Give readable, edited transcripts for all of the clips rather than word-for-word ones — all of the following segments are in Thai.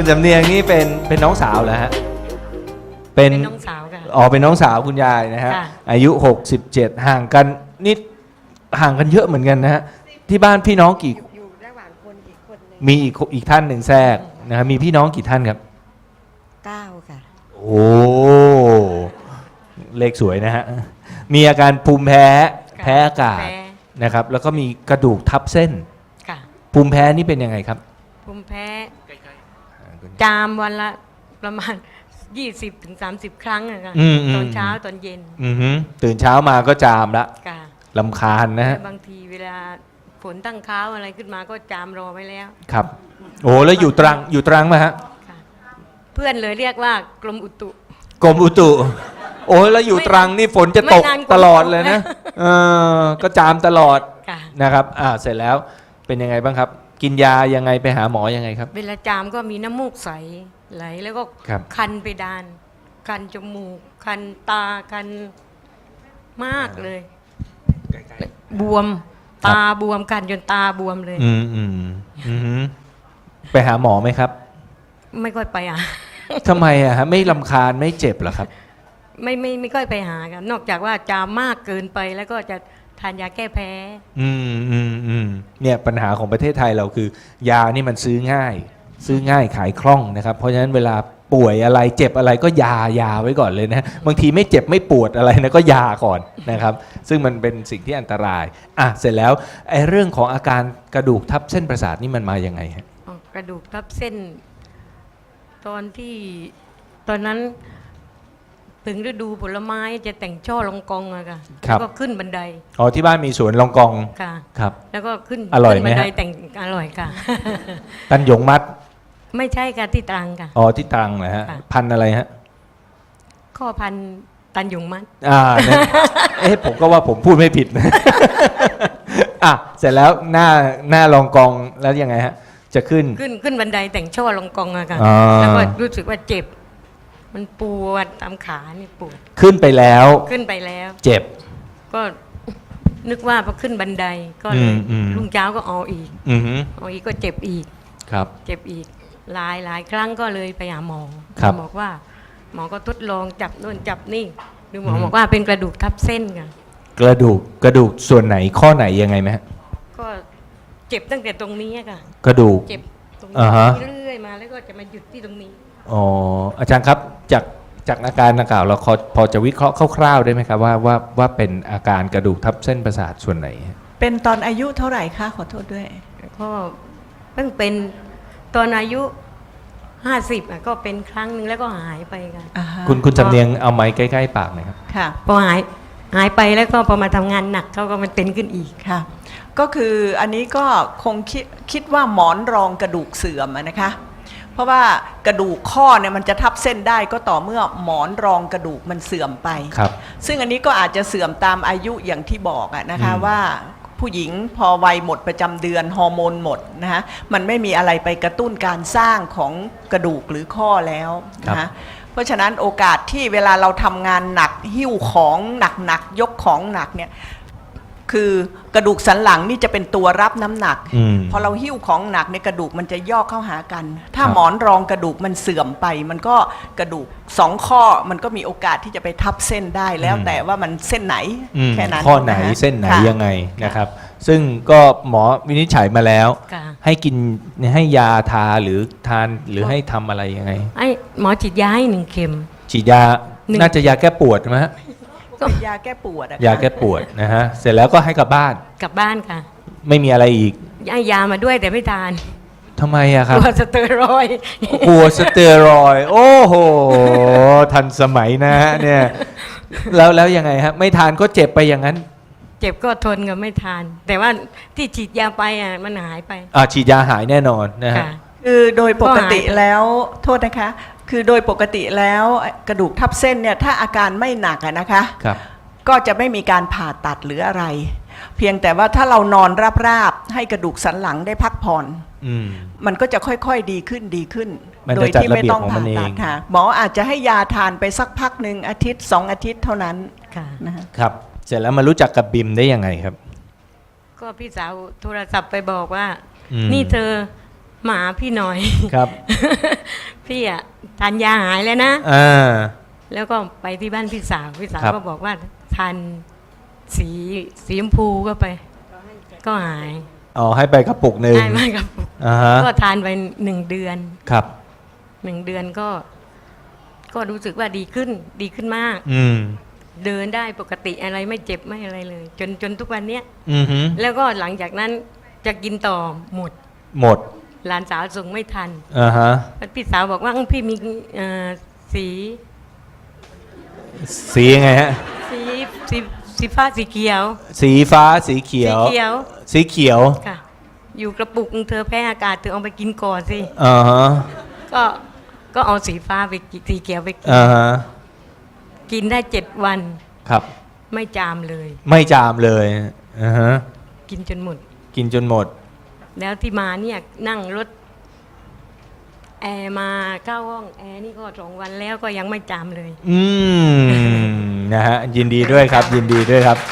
คุณสำเนียงนี่เป็นน้องสาวเหรอฮะเป็นน้องสาวค่ะอ๋อเป็นน้องสาวคุณยายนะฮะอายุ67ห่างกันนิดห่างกันเยอะเหมือนกันนะฮะที่บ้านพี่น้องกี่อยู่ระหว่างคนอีกคนนึงมีอีกท่านหนึ่งแทรกนะฮะมีพี่น้องกี่ท่านครับ 9ค่ะโอ้เลขสวยนะฮะมีอาการภูมิแพ้อากาศนะครับแล้วก็มีกระดูกทับเส้นภูมิแพ้นี่เป็นยังไงครับภูมิแพ้จามวันละประมาณ20-30 ครั้งอะค่ะตอนเช้าตอนเย็นตื่นเช้ามาก็จามละรำคาญนะฮะบางทีเวลาฝนตั้งเค้าอะไรขึ้นมาก็จามรอไว้แล้วครับโอ้แล้วอยู่ตรังไหมฮะเพื่อนเลยเรียกว่ากรมอุตุโอ้แล้วอยู่ตรังนี่ฝนจะตกตลอดเลยนะก็จามตลอดนะครับเสร็จแล้วเป็นยังไงบ้างครับกินยายังไงไปหาหมอยังไงครับเวลาจามก็มีน้ำมูกใสไหลแล้วก็คันไปดานคันจมูกคันตาคันมากเลยบวมตาบวมกันจนตาบวมเลยไปหาหมอไหมครับไม่ค่อยไปทำไมฮะไม่รำคาญไม่เจ็บเหรอครับไม่ค่อยไปหากันนอกจากว่าจามมากเกินไปแล้วก็จะทานยาแก้แพ้เนี่ยปัญหาของประเทศไทยเราคือยานี่มันซื้อง่ายขายคล่องนะครับเพราะฉะนั้นเวลาป่วยอะไรเจ็บอะไรก็ยาไว้ก่อนเลยนะบางทีไม่เจ็บไม่ปวดอะไรนะก็ยาก่อนนะครับซึ่งมันเป็นสิ่งที่อันตรายเสร็จแล้วไอ้เรื่องของอาการกระดูกทับเส้นประสาทนี่มันมายังไงฮะกระดูกทับเส้นตอนนั้นถึงฤดูผลไม้จะแต่งช่อลองกองอะค่ะแล้วก็ขึ้นบันไดที่บ้านมีสวนลองกองค่ะครับแล้วก็ขึ้นอร่อยไหมบันไดฮะแต่งอร่อยค่ะตันหยงมัดไม่ใช่ค่ะที่ตรังค่ะที่ตรังนะฮะพันอะไรฮะข้อพันตันหยงมัดผมก็ว่าผมพูดไม่ผิดนะเสร็จแล้วหน้าลองกองแล้วยังไงฮะจะขึ้นบันไดแต่งช่อลองกองอะค่ะแล้วก็รู้สึกว่าเจ็บมันปวดตามขานี่ปวดขึ้นไปแล้วเจ็บก็นึกว่าพอขึ้นบันไดก็เลยรุ่งเช้าก็เอาอีกก็เจ็บอีกครับเจ็บอีกหลายครั้งก็เลยไปหาหมอบอกว่าหมอก็ทดลองจับโน่นจับนี่ดูหมอบอกว่าเป็นกระดูกทับเส้นค่ะกระดูกส่วนไหนข้อไหนยังไงไหมฮะก็เจ็บตั้งแต่ตรงนี้ค่ะกระดูกเจ็บตรงนี้เรื่อยมาแล้วก็จะมาหยุดที่ตรงนี้อาจารย์ครับจากอาการดังกล่าวเราพอจะวิเคราะห์คร่าวๆได้ไหมครับว่าเป็นอาการกระดูกทับเส้นประสาทส่วนไหนเป็นตอนอายุเท่าไหร่คะขอโทษด้วยก็เพิ่งเป็นตอนอายุ50ก็เป็นครั้งนึงแล้วก็หายไปค่ะคุณสำเนียงเอาไม้ใกล้ๆปากหน่อยครับค่ะพอหายไปแล้วก็พอมาทำงานหนักเขาก็มันเป็นขึ้นอีกค่ะก็คืออันนี้ก็คงคิดว่าหมอนรองกระดูกเสื่อมนะคะเพราะว่ากระดูกข้อเนี่ยมันจะทับเส้นได้ก็ต่อเมื่อหมอนรองกระดูกมันเสื่อมไปซึ่งอันนี้ก็อาจจะเสื่อมตามอายุอย่างที่บอกนะคะว่าผู้หญิงพอวัยหมดประจำเดือนฮอร์โมนหมดนะคะมันไม่มีอะไรไปกระตุ้นการสร้างของกระดูกหรือข้อแล้วนะคะเพราะฉะนั้นโอกาสที่เวลาเราทำงานหนักหิ้วของหนักยกของหนักเนี่ยคือกระดูกสันหลังนี่จะเป็นตัวรับน้ำหนักพอเราหิ้วของหนักในกระดูกมันจะย่อเข้าหากันถ้าหมอนรองกระดูกมันเสื่อมไปมันก็กระดูก2ข้อมันก็มีโอกาสที่จะไปทับเส้นได้แล้วแต่ว่ามันเส้นไหนแค่นั้นข้อไหนเส้นไหนยังไงนะครับซึ่งก็หมอวินิจฉัยมาแล้วให้กินให้ยาทาหรือทานหรือให้ทำอะไรยังไงหมอฉีดยาให้1 เข็มฉีดยาน่าจะยาแก้ปวดไหมฮะเป็นยาแก้ปวดยาแก้ปวดนะฮะเสร็จแล้วก็ให้กลับบ้านค่ะไม่มีอะไรอีกให้ยามาด้วยแต่ไม่ทานทำไมอะครับกลัวสเตียรอยด์โอ้โหทันสมัยนะฮะเนี่ยแล้วยังไงฮะไม่ทานก็เจ็บไปอย่างนั้นเจ็บก็ทนกับไม่ทานแต่ว่าที่ฉีดยาไปมันหายไปฉีดยาหายแน่นอนนะฮะคือโดยปกติแล้วโทษนะคะคือโดยปกติแล้วกระดูกทับเส้นเนี่ยถ้าอาการไม่หนักนะคะก็จะไม่มีการผ่าตัดหรืออะไรเพียงแต่ว่าถ้าเรานอนราบๆให้กระดูกสันหลังได้พักผ่อนมันก็จะค่อยๆดีขึ้นโดยที่ไม่ต้องผ่าตัดค่ะหมออาจจะให้ยาทานไปสักพักหนึ่งอาทิตย์2 อาทิตย์เท่านั้นครับเสร็จแล้วมารู้จักกับบิมได้ยังไงครับก็พี่สาวโทรศัพท์ไปบอกว่านี่เธอมาหาพี่หน่อยครับพี่อะทานยาหายแล้วนะอ่าแล้วก็ไปที่บ้านพี่สาวครับก็บอกว่าทานสีชมพูก็ไป ก็หายอ๋อให้ไปกระปุกหนึ่งได้มากครับอ่าฮะก็ทานไป1 เดือนครับ 1 เดือนก็รู้สึกว่าดีขึ้นมากอืมเดินได้ปกติอะไรไม่เจ็บไม่อะไรเลย จนทุกวันเนี้ยอือฮึแล้วก็หลังจากนั้นจะกินต่อหมดหมดหลานสาวส่งไม่ทันอ่าฮะพี่สาวบอกว่าพี่มีสีสียังไงฮะสีฟ้าสีเขียวสีฟ้าสีเขียวสีเขียวสีเขียวค่ะ อยู่กระปุกเธอแพ้อากาศเธอเอาไปกินก่อนสิอ่าฮะก็เอาสีฟ้าไปกินสีเขียวไปกินอ่าฮะกินได้7 วันครับไม่จามเลยไม่จามเลยอ่าฮะกินจนหมดกินจนหมดแล้วที่มาเนี่ยนั่งรถแอร์มาเข้าห้องแอร์นี่ก็2 วันแล้วก็ยังไม่จามเลยอืมนะฮะยินดีด้วยครับ ยินดีด้วยครับ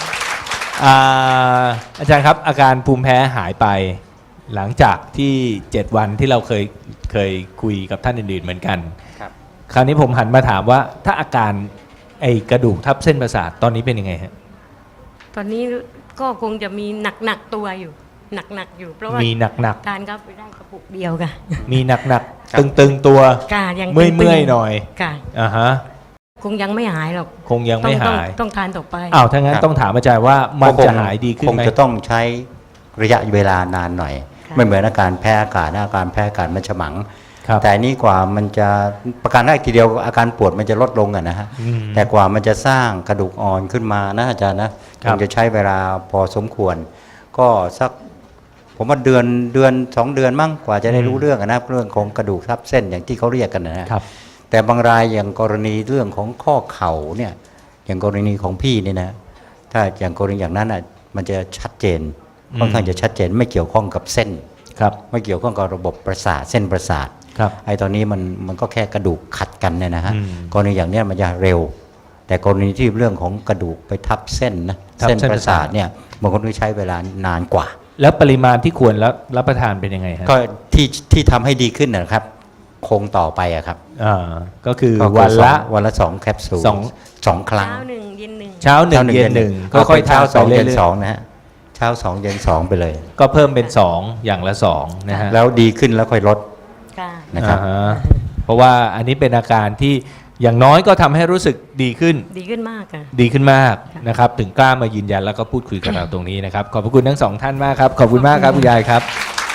อาจารย์ครับอาการภูมิแพ้หายไป หลังจากที่7 วันที่เราเคยคุยกับท่านอื่นๆเหมือนกันครับคราวนี้ผมหันมาถามว่าถ้าอาการไอ้กระดูกทับเส้นประสาทตอนนี้เป็นยังไงฮะตอนนี้ก็คงจะมีหนักตัวอยู่หนักอยู่ เพราะว่ามีหนักทานเข้าไปได้กระปุกเดียวค่ะๆมีหนักครับๆตึงๆตัวค่ะยังเมื่อยๆหน่อยค่ะอ่าฮะคงยังไม่หายหรอกคงยังไม่หายต้องทานต่อไปอ้าวถ้างั้นต้องถามอาจารย์ว่ามันจะหายดีขึ้นคงไหมจะต้องใช้ระยะเวลานานหน่อยค่ะไม่เหมือนอาการแพ้อากาศนะอาการแพ้อากาศมันฉมังครับแต่อันนี้กว่ามันจะประการแรกทีเดียวอาการปวดมันจะลดลงอะนะฮะอืมแต่กว่ามันจะสร้างกระดูกอ่อนขึ้นมานะอาจารย์นะคครับ งจะใช้เวลาพอสมควร ก็สักผมว่าเดือน2 เดือนมั่งกว่าจะได้รู้เรื่องอะนะเรื่องของกระดูกทับเส้นอย่างที่เขาเรียกกันนะฮะครับแต่บางรายอย่างกรณีเรื่องของข้อเข่าเนี่ยอย่างกรณีของพี่เนี่ยนะถ้าอย่างกรณีอย่างนั้นอ่ะมันจะชัดเจนค่อนข้างจะชัดเจนไม่เกี่ยวข้องกับเส้นครับไม่เกี่ยวข้องกับระบบประสาทเส้นประสาทครับไอ้ตอนนี้มันก็แค่กระดูกขัดกันเนี่ยนะฮะอืมกรณีอย่างเนี้ยมันจะเร็ว แต่กรณีที่เรื่องของกระดูกไปทับเส้นนะทับเส้นเส้นประสาทเนี่ยบางคนต้องใช้เวลานานกว่าแล้วปริมาณที่ควรรับประทานเป็นยังไงฮะก็ที่ทำให้ดีขึ้นนะครับ คงต่อไปอะครับก็คือก็คือวันละสองแคปซูลสอง 2 ครั้งเช้า 1 เย็น 1 เช้าหนึ่งเย็นหนึ่งค่อยๆทานเช้าไป 2 เรื่เย็นอย 2นะฮะเช้า 2 เย็น 2 ไปเลยๆก็เพิ่มเป็น 2 อย่างละ2นะฮะแล้วดีขึ้นแล้วค่อยลดค่ะนะครับอ่าฮะเพราะว่าอันนี้เป็นอาการที่อย่างน้อยก็ทำให้รู้สึกดีขึ้นดีขึ้นมากค่ะดีขึ้นมากนะครับถึงกล้ามายืนยันแล้วก็พูดคุยกับเราตรงนี้นะครับ ขอบพระคุณทั้งสองท่านมากครับ ขอบคุณมากครับคุณยายครับ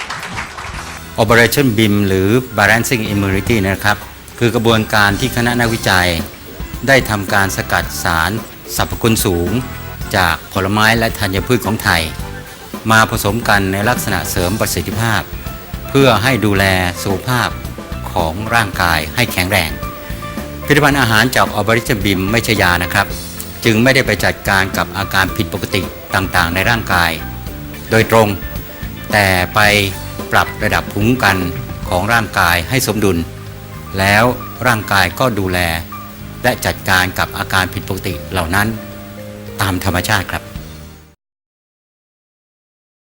Operation BIM หรือ Balancing Immunity นะครับ คือกระบวนการที่คณะนักวิจัย ได้ทำการสกัดสารสรรพคุณสูง จากผลไม้และธัญพืชของไทย มาผสมกันในลักษณะเสริมประสิทธิภาพ เพื่อให้ดูแลสุขภาพของร่างกายให้แข็งแรง ผลิตภัณฑ์อาหารจาก Operation BIM ไม่ใช่ยานะครับ จึงไม่ได้ไปจัดการกับอาการผิดปกติต่างๆ ในร่างกาย โดยตรง แต่ไปปรับระดับภูมิคุ้มกันของร่างกายให้สมดุล แล้วร่างกายก็ดูแล และจัดการกับอาการผิดปกติเหล่านั้นตามธรรมชาติครับ